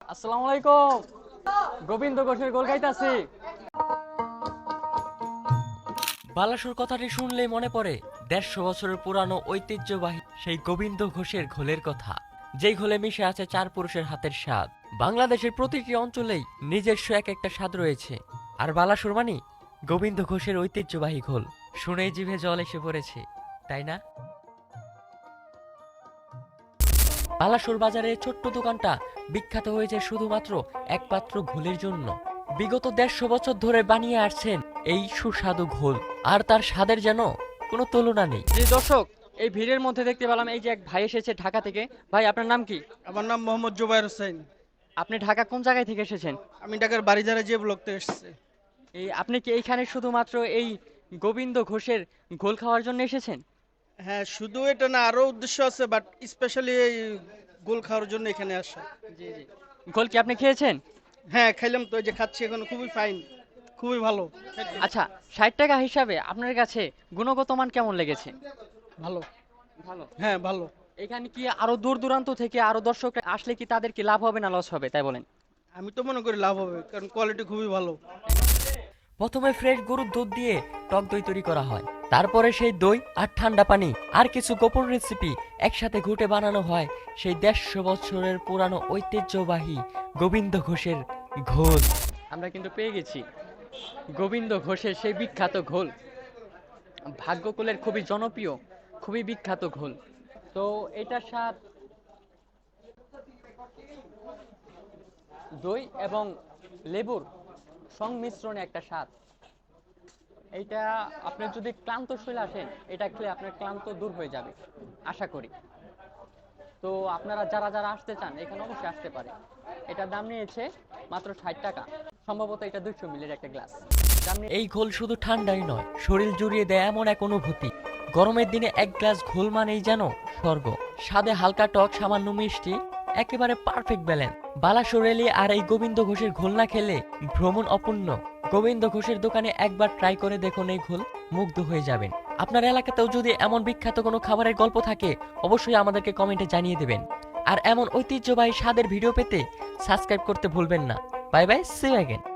আসসালামু আলাইকুম। গোবিন্দ ঘোষের গোল গাইতাছি। বালাসুর কথাটি শুনলেই মনে পড়ে ১৫০ বছরের পুরানো ঐতিহ্যবাহী সেই গোবিন্দ ঘোষের ঘোলের কথা, যেই ঘোলে মিশে আছে চার পুরুষের হাতের স্বাদ। বাংলাদেশের প্রতিটি অঞ্চলেই নিজস্ব এক একটা স্বাদ রয়েছে, আর বালাসুর মানে গোবিন্দ ঘোষের ঐতিহ্যবাহী ঘোল। শুনেই জিভে জল এসে পড়েছে, তাই না? বালাসুর বাজারের ছোট্ট দোকানটা বিখ্যাত হয়েছে শুধুমাত্র একমাত্র ঘোলের জন্য। বিগত ১৫০ বছর ধরে বানিয়ে আসছেন এই সুস্বাদু ঘোল, আর তার স্বাদের যেন কোনো তুলনা নেই। জি দর্শক, এই ভিড়ের মধ্যে দেখতে পেলাম এই যে এক ভাই এসেছে ঢাকা থেকে। ভাই আপনার নাম কি? আমার নাম মোহাম্মদ জুবায়ের হোসেন। আপনি ঢাকা কোন জায়গায় থেকে এসেছেন? আমি ঢাকার বাড়িধারা যে ব্লক থেকে এসেছি। আপনি কি এইখানে শুধুমাত্র এই গোবিন্দ ঘোষের ঘোল খাওয়ার জন্য এসেছেন? হ্যাঁ, শুধু এটা না, আরো উদ্দেশ্য আছে, বাট স্পেশালি এই গোল খাওয়ার জন্য এখানে আসা। জি জি। ঘোল কি আপনি খেয়েছেন? হ্যাঁ, খাইলাম তো, এই যে খাচ্ছি এখন, খুবই ফাইন, খুবই ভালো। আচ্ছা, ৬০ টাকা হিসাবে আপনার কাছে গুণগত মান কেমন লেগেছে? ভালো। ভালো। হ্যাঁ, ভালো। এখানে কি আরো দূর দূরান্ত থেকে আরো দর্শক আসলে কি তাদের কি লাভ হবে না লস হবে তাই বলেন? আমি তো মনে করি লাভ হবে, কারণ কোয়ালিটি খুবই ভালো। প্রথমে ফ্রেশ গরুর দুধ দিয়ে টক দই তৈরি করা হয়, তারপরে সেই দই আর ঠান্ডা পানি আর কিছু গোপন রেসিপি একসাথে ঘুটে বানানো হয় সেই ১৫০ বছরের পুরানো ঐতিহ্যবাহী গোবিন্দ ঘোষের ঘোল। আমরা কিন্তু পেয়ে গেছি গোবিন্দ ঘোষের সেই বিখ্যাত ঘোল, ভাগ্যকুলের খুবই জনপ্রিয়, খুবই বিখ্যাত ঘোল। তো এটার স্বাদ দই এবং লেবুর সংমিশ্রণে একটা স্বাদ। এইটা আপনি যদি ক্লান্ত শরীরে আসেন, এটা খেলে আপনার ক্লান্ত দূর হয়ে যাবে আশা করি। তো আপনারা যারা যারা আসতে চান এখানে অবশ্যই আসতে পারে। এটার দাম নিয়েছে মাত্র ৬০ টাকা। সম্ভবত এটা ২০০ মিলির একটা গ্লাস। দাম এই ঘোল শুধু ঠান্ডাই নয়, শরীর জুড়িয়ে দেয় এমন এক অনুভূতি। গরমের দিনে এক গ্লাস ঘোল মানেই যেন স্বর্গ। স্বাদে হালকা টক, সামান্য মিষ্টি, একেবারে পারফেক্ট ব্যালেন্স। বালাসুর রেলি আর এই গোবিন্দ ঘোষের ঘোল না খেলে ভ্রমণ অপূর্ণ। গোবিন্দ ঘোষের দোকানে একবার ট্রাই করে দেখুন এই ঘোল, মুগ্ধ হয়ে যাবেন। আপনার এলাকাতেও যদি এমন বিখ্যাত কোনো খাবারের গল্প থাকে অবশ্যই আমাদেরকে কমেন্টে জানিয়ে দেবেন। আর এমন ঐতিহ্যবাহী স্বাদের ভিডিও পেতে সাবস্ক্রাইব করতে ভুলবেন না। Bye bye, see you again.